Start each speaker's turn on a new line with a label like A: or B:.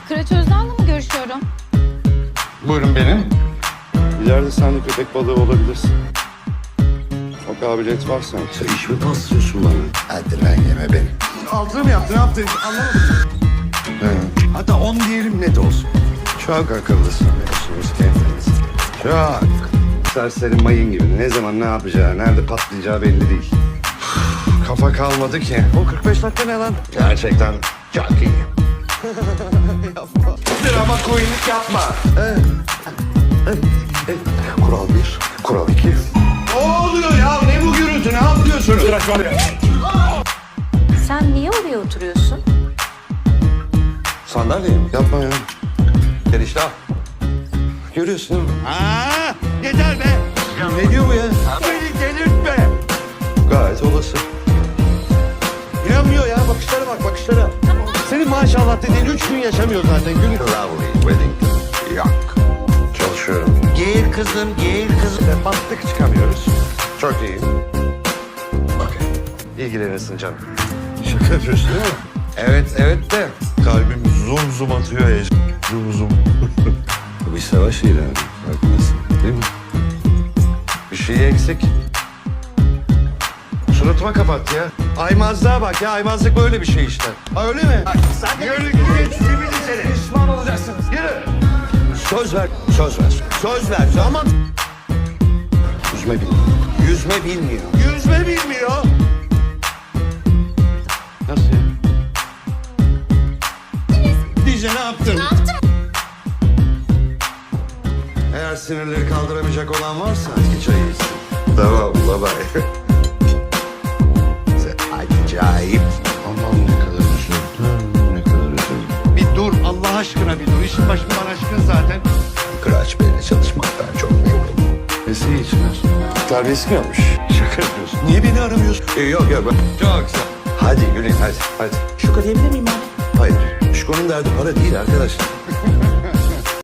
A: Kıraç Özden'le mi görüşüyorum?
B: Buyurun benim. İleride sen de köpek balığı olabilirsin. O kabiliyet var sanki.
C: Sen iş mi paslıyorsun bana? Hadi lan yeme beni.
B: Altını mı yaptın? Ne yaptın? Anlamadım.
C: Hatta 10 diyelim net olsun.
B: Çok akıllısın biliyorsunuz kendiniz. Çok. Serseri mayın gibi. Ne zaman ne yapacağı, nerede patlayacağı belli değil. Kafa kalmadı ki.
C: O 45 dakika ne lan?
B: Gerçekten çok iyi. Yapma. Drama koyunluk yapma.
C: Kural 1, kural 2.
B: Ne oluyor ya? Ne bu gürültü? Ne yapıyorsunuz?
A: Sen niye oraya oturuyorsun?
C: Sandalye mi?
B: Yapma ya.
C: Gel işte al.
B: Görüyorsun değil mi?
C: Aa, yeter be.
B: Ne diyor bu ya?
C: Beni delirtme.
B: Gayet olası.
C: İnanmıyor ya. Bakışlara bak, bakışlara. Senin maşallah dediğin 3 gün yaşamıyor zaten. Gün. Lovely wedding. Yok.
B: Çalışıyorum.
C: Gel kızım, gel kızım.
B: Battık çıkamıyoruz. Çok iyi. Okey. İlgilenirsin canım.
C: Şaka yapıyorsun değil mi?
B: Evet de.
C: Kalbim zum zum atıyor ya. Zum zum.
B: Bu bir savaş ilanı. Farkındasın değil mi? Bir şey eksik. Suratıma kapat ya. Aymazlığa bak ya. Aymazlık böyle bir şey işte. Ha öyle mi?
C: Yürü geç seni seni.
B: Pişman olacaksınız. Yürü.
C: Söz ver, söz ver. Söz ver. Ama
B: Yüzme bilmiyor.
C: yüzme bilmiyor. Yüzme bilmiyor.
B: Nasıl ya?
C: Dice ne yaptın?
B: Eğer sinirleri kaldıramayacak olan varsa iki çay içsin. Tamam baba.
C: Sen acayip.
B: Aman ne kadar üzüldüm. Ne kadar üzüldüm.
C: Bir dur Allah aşkına bir dur. İşin başımdan aşkın zaten. Kıraç Bey'le çalışmaktan çok memnunum.
B: Nesi içmez? Terbiyesi mi yapmış? Şaka yapıyorsun.
C: Niye beni aramıyorsun?
B: Yok yok. Çok güzel.
C: Hadi Gülün hadi.
B: Hadi.
C: Şu diyebilir miyim abi? Hayır. Şuko'nun derdi para değil arkadaşlar.